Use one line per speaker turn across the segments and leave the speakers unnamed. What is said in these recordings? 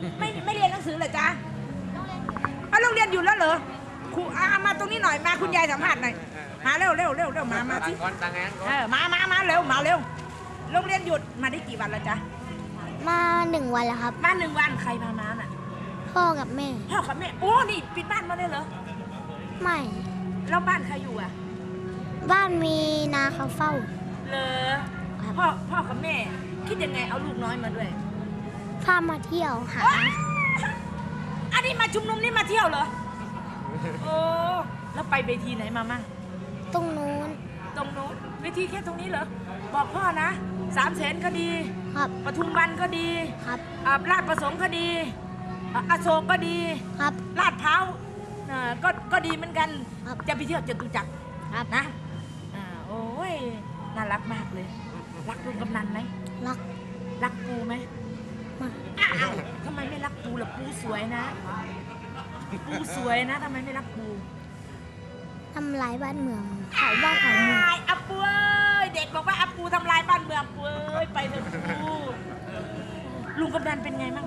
ไม่เรียนหนังสือเหรอจ๊ะโรงเรียนอยู่แล้วเหรอครูมาตรงนี้หน่อยมาคุณยายสัมภาษณ์หน่อยมาเร็วมาสิมาเร็วโรงเรียนหยุดมาได้กี่วันแล้วจ๊ะ
มา1 วันแล้วครับ
มา1 วันใครพามาน่ะ
พ่อกับแม่
โอ้นี่ปิดบ้านมาได้เหรอ
ไม่
แล้วบ้านใครอยู่อ่ะ
บ้านมีนาเขาเฝ้า
เลยพ่อกับแม่คิดยังไงเอาลูกน้อยมาด้วย
พามาเที่ยวหา
อันนี้มาชุมนุมนี่มาเที่ยวเหรอโอ้แล้วไปเวทีไหนมามั่ง
ตรงนู้น
เวทีแค่ตรงนี้เหรอบอกพ่อนะ300,000ก็ดี
ครับ
ปทุมวันก็ดี
ครับ
ลาดประสงค์ก็ดีอโศกก็ดี
ครับ
ลาดพร้าวก็ดีเหมือนกันจะไปเที่ยวจตุจักรนะโอ้ยน่ารักมากเลยรักลุงกำนันไหมรักปูไหมทำไมไม่รักปูล่ะปูสวยนะทำไมไม่รักปู
ทำลายบ้านเมืองเผาบ้านเผาเมือง
อับปูเอ้ยเด็กบอกว่าอับปูทำลายบ้านเมืองปูเอ้ยไปเถอะปูลุงกำนันเป็นไงมั่ง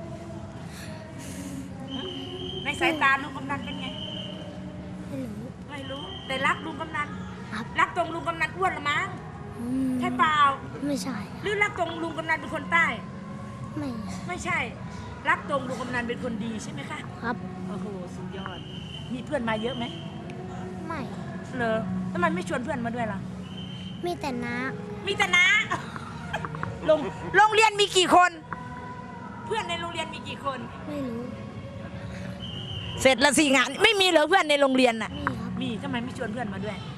ในสายตาลุงกำนันเป็นไงไม่รู้แต่รักลุงกำนันรักตรงลุงกำนันอ้วนหรือมั้งใช่เปล่า
ไม่ใช่
หรือรักตรงลุงกำนันเป็นคนใต้ไม่ใช่รักตรงลุงกำนันเป็นคนดีใช่ไหมคะ
ครับ
โอ้โหสุดยอดมีเพื่อนมาเยอะไหม
ไม่
เหรอทำไมไม่ชวนเพื่อนมาด้วยล่ะ
มีแต่น้า
โรงเรียนมีกี่คนเพื่อนในโรงเรียนมีกี่คน
ไม่รู้
เสร็จละ4 งานไม่มีเหรอเพื่อนในโรงเรียนน่ะมีทำไมไม่ชวนเพื่อนมาด้วย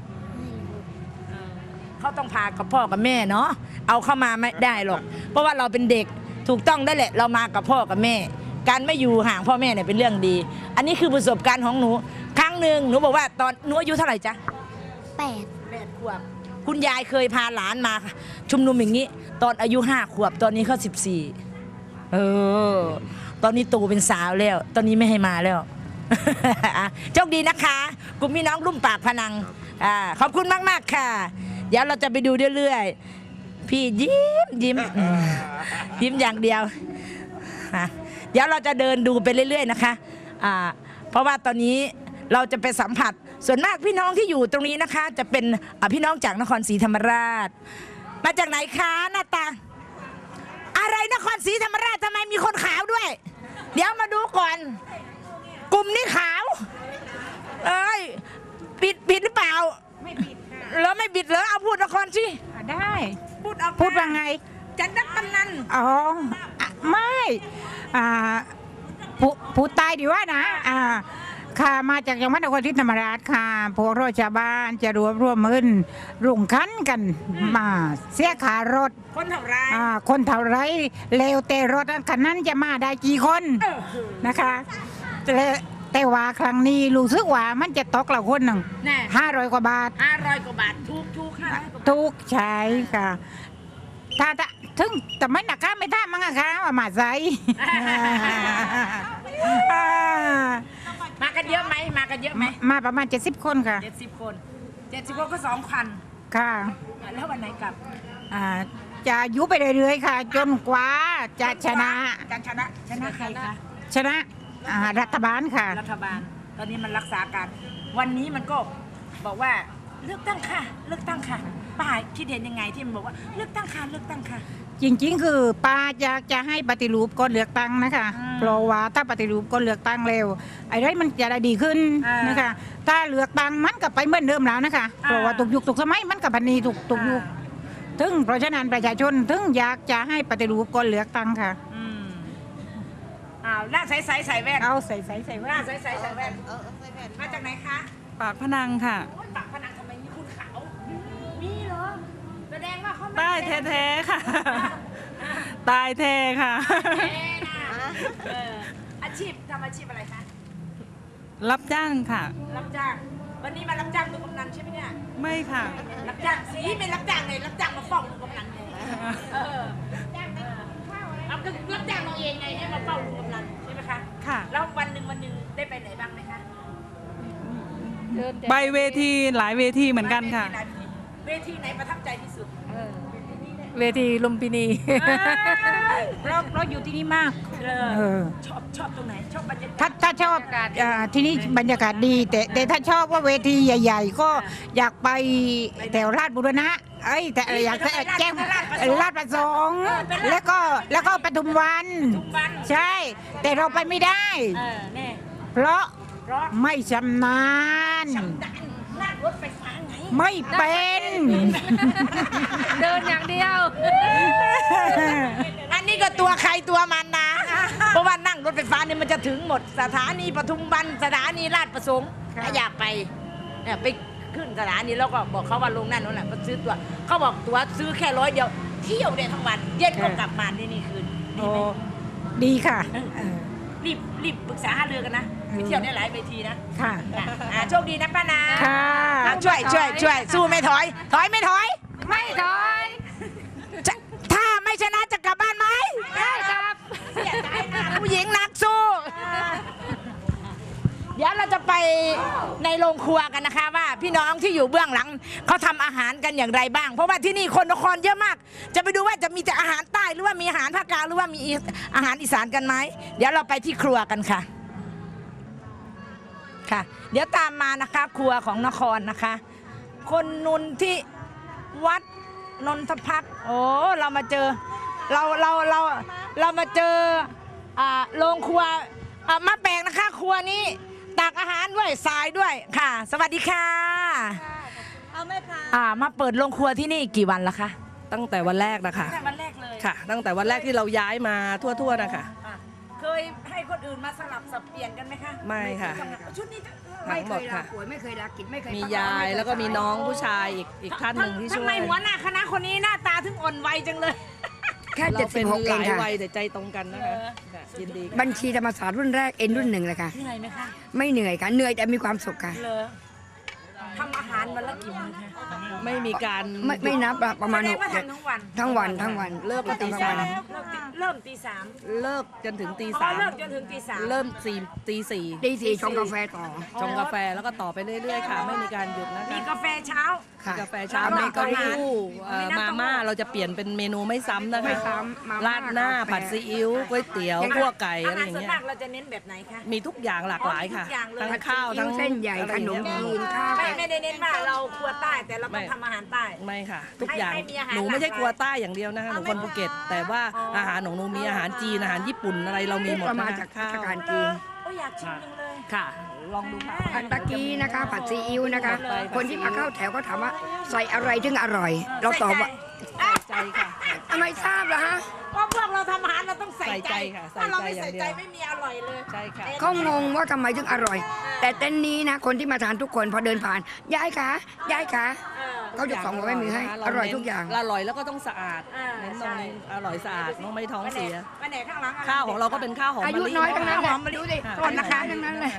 เขาต้องพากับพ่อกับแม่เนาะเอาเข้ามาไม่ได้หรอกเพราะว่าเราเป็นเด็กถูกต้องได้แหละเรามากับพ่อกับแม่การไม่อยู่ห่างพ่อแม่เนี่ยเป็นเรื่องดีอันนี้คือประสบการณ์ของหนูครั้งหนึ่งหนูบอกว่าตอนหนูอายุเท่าไหร่จ๊ะ8 ขวบคุณยายเคยพาหลานมาชุมนุมอย่างนี้ตอนอายุ5 ขวบตอนนี้เขา14ตอนนี้โตเป็นสาวแล้วตอนนี้ไม่ให้มาแล้วโชคดีนะคะกลุ่มพี่น้องรุ่มปากพนังขอบคุณมากๆค่ะเดี๋ยวเราจะไปดูเรื่อยๆพี่ยิ้มอย่างเดียวเดี๋ยวเราจะเดินดูไปเรื่อยๆนะคะเพราะว่าตอนนี้เราจะไปสัมผัสส่วนมากพี่น้องที่อยู่ตรงนี้นะคะจะเป็นพี่น้องจากนครศรีธรรมราชมาจากไหนคะหน้าตาอะไรนครศรีธรรมราชทำไมมีคนขาวด้วยเดี๋ยวมาดูก่อนกลุ่มนี้ขาวปิดหรือเปล่าไม่ปิดค่ะแล้วไม่ปิดเหรอเอาพูดนครสิ
ได้
พูดว่าไงจันทร์กำนัน
ไม่ผู้ตายดีว่านะค่ะมาจากจังหวัดนครศรีธรรมราชค่ะพวกเราชาวบ้านจะรวมเงินรุ่งคันกันมาเสียค่ารถ
คนเท่าไร
เลวแต่รถคันนั้นจะมาได้กี่คนนะคะแต่ว่าครั้งนี้รู้สึกว่ามันจะตกละคนหนึ่ง500 กว่าบาททุกใช่ค่ะถ้าถึงแต่ไม่หนักค่ะไม่ท่ามั้งค่ะว่ามาใส่
มากันเยอะไหม
มาประมาณ70 คนค่ะ
70 คนก็2,000
ค่ะ
แล้ววันไหนกลับ
จะยุบไปเรื่อยๆค่ะจนกว่าจะชนะ
ใครคะ
ชนะรัฐบาลค่ะ
รัฐบาลตอนนี้มันรักษาการวันนี้มันก็บอกว่าเลือกตั้งค่ะป้าคิดเห็นยังไงที่มันบอกว่าเลือกตั้งค่ะ
จริงๆคือป้าอยากจะให้ปฏิรูปก่อนเลือกตั้งนะคะเพราะว่าถ้าปฏิรูปก่อนเลือกตั้งเร็วไอ้ไรมันจะได้ดีขึ้นนะคะถ้าเลือกตั้งมันก็ไปเหมือนเดิมแล้วนะคะเพราะว่าตุกยุคตุกสมัยมันกับพันนีตุกยุคถึงเพราะฉะนั้นประชาชนถึงอยากจะให้ปฏิรูปก่อนเลือกตั้งค่ะ
หน้าใสแว่น
ใส่แว่น
หน้าใสแว่นมาจากไหนคะ
ปากพนังค่ะ
ปากพนังทำไมมีคุณขาวมีเหรอแสดงว่าเขา
ใต้แท้ๆค่ะตายแท้ค่ะ
อาชีพทำอาชีพอะไรคะ
รับจ้างค่ะ
รับจ้างวันนี้มารับจ้างลุงกำนันใช่ไหมเนี่ย
ไม่ค่ะ
รับจ้างสีเป็นรับจ้างเลยรับจ้างมาฟ้องลุงกำนันเลยเอาก็รับจ้างเราเองไงให้มาเฝ้าลุงกำนันใช่ไหมคะ
ค่ะ
แล้ววันหนึ่งได้ไปไหนบ้างไหมคะ
ไปเวทีหลายเวทีเหมือนกันค่ะ
เวทีไหนประทับใจที่สุด
เวทีลุมพินี
เราอยู่ที่นี่มากเออ
ชอบตรงไหนชอบบรรยากาศ
ถ้าชอบที่นี่บรรยากาศดี แต่ถ้าชอบว่าเวทีใหญ่ ๆ ก็อยากไปแถวราชบุรณะแต่อยากแจ้งราชประสงค์แล้วก็ปทุมวัน ใช่ แต่เราไปไม่ได้
แน่
เพราะไม่ชำนาญ
นั่งรถไฟฟ้าไง
ไม่เป็น
เดินอย่างเดียว
อันนี้ก็ตัวใครตัวมันนะ เพราะว่านั่งรถไฟฟ้าเนี่ยมันจะถึงหมดสถานีปทุมวันสถานีราชประสงค์ถ้าอยากไปเนี่ยไปขึ้นสถานีแล้วก็บอกเขาว่าลงนั่นนั่นแหละก็ซื้อตัวเขาบอกตัวซื้อแค่100เดียวเที่ยวได้ทั้งวันเย็นก็กลับมานี่คืนดี
โอ้
ไหม
ดีค่ะ
รีบปรึกษาหารือกันนะไปเที่ยวได้หลายเวทีนะ
ค่ะ
โชคดีนะป้านา
ค่ะ
ช่วยสู้ไม่ถอยไม่ถอย
ไม่ถอย
ถ้าไม่ชนะจะกลับบ้านไหม
ได้ครับ
เสียใจนะผู้หญิงนักสู้ เดี๋ยวเราจะไปในโรงครัวกันนะคะว่าพี่น้องที่อยู่เบื้องหลังเขาทำอาหารกันอย่างไรบ้าง เพราะว่าที่นี่คนนครเยอะมาก จะไปดูว่าจะมีแต่อาหารใต้หรือว่ามีอาหารภาคกลางหรือว่ามีอาหารอีสานกันไหมเดี๋ยวเราไปที่ครัวกันค่ะ ค่ะ เดี๋ยวตามมานะคะ ครัวของนครนะคะ คนนุนที่วัดนนทพักษ์โอ้เรามาเจอเรามาเจอโรงครัวมาแปลงนะคะ ครัวนี้ตักอาหารด้วยทรายด้วยค่ะ สวัสดีค่ะเอาไหมคะมาเปิดโรงครัวที่นี่กี่วันแล้วคะ
ตั้งแต่วันแรกนะคะ
ตั้งแต่วันแรกเลย
ค่ะ ตั้งแต่วันแรกที่เราย้ายมาทั่วๆนะคะ
เคยให้คนอื่นมาสลับสับเปลี่ยนกันไหมคะ
ไม่ค่ะ
ชุดนี้
ทั้งหมดค่ะ
ไม่เคยลากิจไม่เคย
มียายแล้วก็มีน้องผู้ชายอีกท่านหนึ่งที่ช่
ทำ
ว
ไม
ย
หัวหน้าคณะคนนี้หน้าตาถึงอ่อนวัยจังเลย
แค่
เราเป็น
76
ห
เอง
ลาย
ค่ะ
วัยแต่ใจตรงกันนะคะค่ะยินดีค่ะ
บัญชีธรรมศาสตร์รุ่นแรกเอ็นรุ่นหนึ่งเลยค่ะ
เหนื่อยไหมคะ
ไม่เหนื่อยค่ะ เหนื่อยแต่มีความสุขค่ะ
เลยทำอาหารวันละกี่มื้อคะ
ไม่มีการ
ไม่นับอะประมาณ
แสด
ห
ง
ก
ว่า
เจ็ด
ทำทั้งวัน
ทั้งวัน
เลิก
ก็
ตี
ตี
สา
สาม
เริ่มตีสาม
เลิกจนถึงตี
อ๋อ
สาม
เลิกจนถึงตีสาม
เริ่มตีสี่
ตีสี่ชงกาแฟต่อ
ชงกาแฟแล้วก็ต่อไปเรื่อยๆค่ะ ไม่มีการหยุดนะคะ
มีกาแฟเช้า
ค่ะ
กาแฟเช้า
แล้วก็
น้ำเต้า
อาหาร
หู้
มีน้ำเต้าหู้
มาม่าเราจะเปลี่ยนเป็นเมนูไม่ซ้ำนะคะ
ไม่ซ้ำมาม่า
ราดหน้าก
าแฟ
ผัดซีอิ๊วก๋วยเตี๋ยวคั่วไก่อะไรอย่าง
ส่วน
เงี้ย
มากเราจะเน้นแบบไหนคะ
มีทุกอย่างหลากหลายค่ะ
ทุกอย่างเลย
ทั้งข้าวทั้ง
เส้นใหญ่
อะไร
ข
อน ย่าง
ม
เงี้ย
จีนข้าว
ไม่ได้เน้นว่าเราครัวใต้แต่เราต้องทำอาหารใต้
ไม่ค่ะ ทุกอย่าง
ให้มีอาหาร
หนูไม่ใช่
หลากหลาย
ครัวใต้อย่างเดียวนะคะหนูคนภูเก็ต แต่ว่าอาหารของหนูมีอาหารจีนอาหารญี่ปุ่นอะไรเรามีหมด
เรามา
นะ
จาก
คะ
ราชการจีน
โอ้อยากชิมจังเลย
ค่ะ ลองดูค่ะ
ผัดตะกี้นะคะผัดซีอิ๊วนะคะ คนที่มาเข้าแถวก็ถามว่าใส่อะไรถึงอร่อย เราตอบว่า
ใจค่ะ
ทำไมทราบล่ะฮะ
เพราะพวกเราทำอาหารเราต้องใส่
ใส่ใจค่ะ
ถ้าเราไม่
ใส่
ใส่
ใจ
ใจ
อย่างเดียว
ไม่มีอร่อยเลย
ใช่ค่ะ
เขางงว่าทำไมถึงอร่อย แต่เต้นนี้นะ คนที่มาทานทุกคนพอเดินผ่านยายคะยายคะเขาจะส่องหัวแม่มือให้ อร่อยทุกอย่าง
อร่อยแล้วก็ต้องสะอาด
เน้
เน้น
น
ตรงนี้อร่อยสะอาดน้องไม่ท้องเสีย
วันไหนข้างหลัง
ข้าวของเราก็เป็นข้าวหอม
อายุ
มะลิ
น้อยทั้งนั้น
หอมมะลิ
ดูสิ
ค่ะ
ก่อนนะคะทั้งนั้นเลย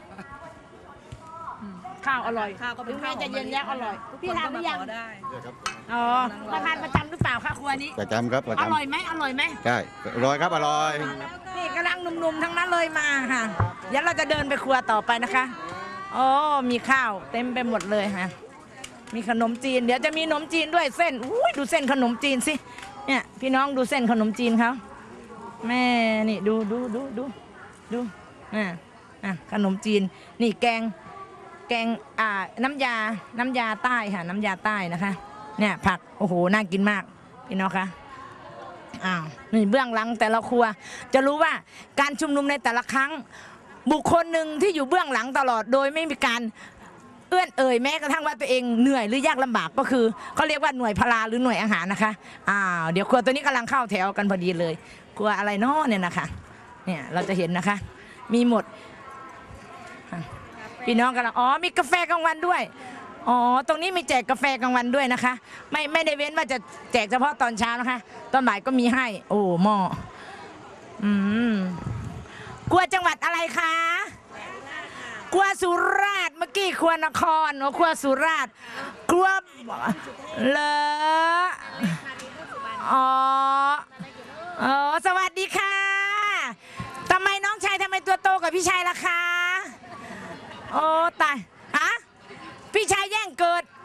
ข้าวอร่อย
ข้าวก็เป็นข้าวหอม
จะเย็นยักษ์อร่อย
ทุก
พี่
คน
ทาน
ก็
หรื
มา
อยัง
ขอได้
อ๋อมาทานประจำหรือเปล่าคะครัวนี้
ประจำครับประ
อ
จำ
ร่อยไหมอร่อยไหม
ใช่อร่อยครับอร่อย
นี่กำลังหนุ่มๆทั้งนั้นเลยมาค่ะเดี๋ยวเราจะเดินไปครัวต่อไปนะคะโอ้มีข้าวเต็มไปหมดเลยค่ะมีขนมจีน เดี๋ยวจะมีขนมจีนด้วยเส้นอุ้ยดูเส้นขนมจีนสิเนี่ยพี่น้องดูเส้นขนมจีนเขาแม่นี่ดูขนมจีนนี่แกงน้ำยาใต้ค่ะน้ำยาใต้นะคะเนี่ยผักโอ้โหน่ากินมากพี่น้องคะอ้าวนี่เบื้องหลังแต่ละครัวจะรู้ว่าการชุมนุมในแต่ละครั้งบุคคลหนึ่งที่อยู่เบื้องหลังตลอดโดยไม่มีการเอื้อนเอ่ยแม้กระทั่งว่าตัวเองเหนื่อยหรือยากลำบากก็คือเขาเรียกว่าหน่วยพลาหรือหน่วยอาหารนะคะอ้าวเดี๋ยวครัวตัวนี้กำลังเข้าแถวกันพอดีเลยครัวอะไรน้อเนี่ยนะคะเนี่ยเราจะเห็นนะคะมีหมดพี่น้องกำลังมีกาแฟกลางวันด้วยตรงนี้มีแจกกาแฟกลางวันด้วยนะคะไม่ได้เว้นว่าจะแจกเฉพาะตอนเช้านะคะตอนบ่ายก็มีให้โอ้หม้อครัวจังหวัดอะไรคะครัวสุราษฎร์เมื่อกี้ครัวนครครัวสุราษฎร์ครัวเลสวัสดีค่ะทำไมน้องชายทำไมตัวโตกว่าพี่ชายล่ะคะโอ้ตายพี่ชายแย่งเกิด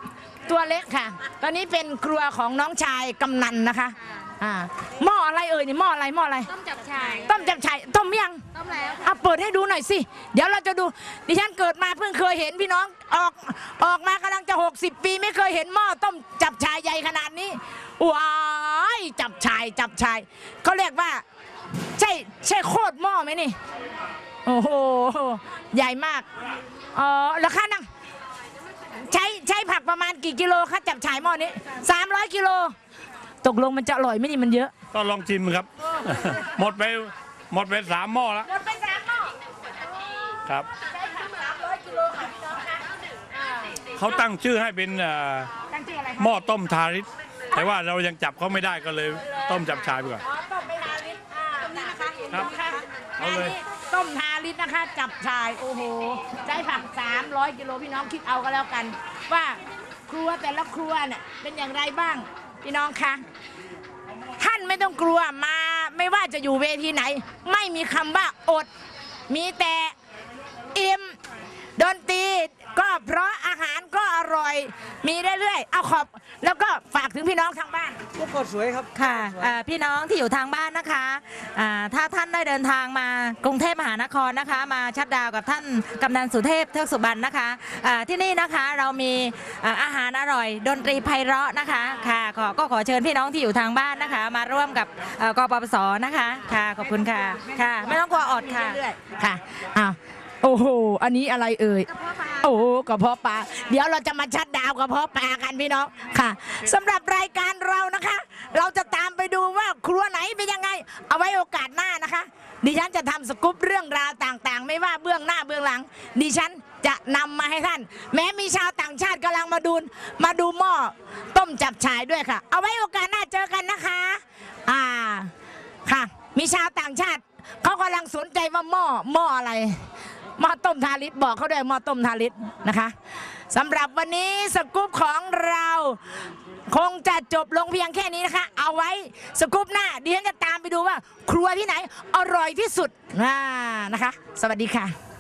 ตัวเล็กค่ะ ตอนนี้เป็นครัวของน้องชายกำนันนะคะหม้ออะไรเอ่ยนี่หม้ออะไรหม้ออะไร
ต้มจับฉ่าย
ต้มจับฉ่ายต้มยัง
ต้มแล้ว
เอาเปิดให้ดูหน่อยสิเดี๋ยวเราจะดูดิฉันเกิดมาเพิ่งเคยเห็นพี่น้องออกมากำลังจะ60 ปีไม่เคยเห็นหม้อต้มจับฉ่ายใหญ่ขนาดนี้ว้ายจับฉ่ายเขาเรียกว่าใช่โคตรหม้อไหมนี่โอ้โหใหญ่มากราคานั่งใช้ผักประมาณกี่กิโลคะจับฉ่ายหม้อนี้300 กิโลตกลงมันจะอร่อยไหมนี่มันเยอะ
ก็ลองชิมครับ หมดไป3 หม้อแล้ว
หมดไป3 หม้อ
ครับ
ใช้ผัก300 กิโลค่ะพี่น้องคะ
เขาตั้งชื่อให้เป็น
ตั้งชื่ออะไรคะ
หม้อต้มทาริสแต่ว่าเรายังจับเขาไม่ได้ก็เลยต้มจับชายไปก่อน
ต้มไปทาลิตนี่นะคะเห็นไหมคะ
เอาเลย
อันนี้ต้มทาลิตนะคะ จับชายโอ้โหใช้ผัก300 กิโลพี่น้องคิดเอาก็แล้วกัน ว่าครัวแต่ละครัวเนี่ยเป็นอย่างไรบ้างพี่น้องคะท่านไม่ต้องกลัวมาไม่ว่าจะอยู่เวทีไหน ไม่มีคำว่าอด มีแต่อิ่มดนตรีก็เพราะอาหารก็อร่อยมีเรื่อยๆเอาขอบแล้วก็ฝากถึงพี่น้องทางบ้าน
ค่ะพี่น้องที่อยู่ทางบ้านนะคะถ้าท่านได้เดินทางมากรุงเทพมหานครนะคะมาชัดดาวกับท่านกำนันสุเทพเทือกสุบรรณนะคะที่นี่นะคะเรามีอาหารอร่อยดนตรีไพเราะนะคะค่ะก็ขอเชิญพี่น้องที่อยู่ทางบ้านนะคะ มาร่วมกับกปปสนะคะค่ะขอบคุณค่ะค่ะไม่ต้องกลัวอดค่ะ
เรื่อยๆค่ะอ้าวโอ้โหอันนี้อะไรเอ่ยโอ้โหกระเพาะปลาเดี๋ยวเราจะมาชัดดาวกระเพาะปลากันพี่น้องค่ะสำหรับรายการเรานะคะ เราจะตามไปดูว่าครัวไหนเป็นยังไงเอาไว้โอกาสหน้านะคะดิฉันจะทำสกู๊ปเรื่องราวต่างๆ ไม่ว่าเบื้องหน้าเบื้องหลังดิฉันจะนำมาให้ท่าน แม้มีชาวต่างชาติกำลังมาดูหม้อต้มจับฉ่ายด้วยค่ะเอาไว้โอกาสหน้าเจอกันนะคะค่ะมีชาวต่างชาติเขากำลังสนใจว่าหม้ออะไรหม้อต้มทาริสบอกเขาด้วยหม้อต้มทาริสนะคะสำหรับวันนี้สกู๊ปของเราคงจะจบลงเพียงแค่นี้นะคะเอาไว้สกู๊ปหน้าดิฉันจะตามไปดูว่าครัวที่ไหนอร่อยที่สุดนะคะสวัสดีค่ะ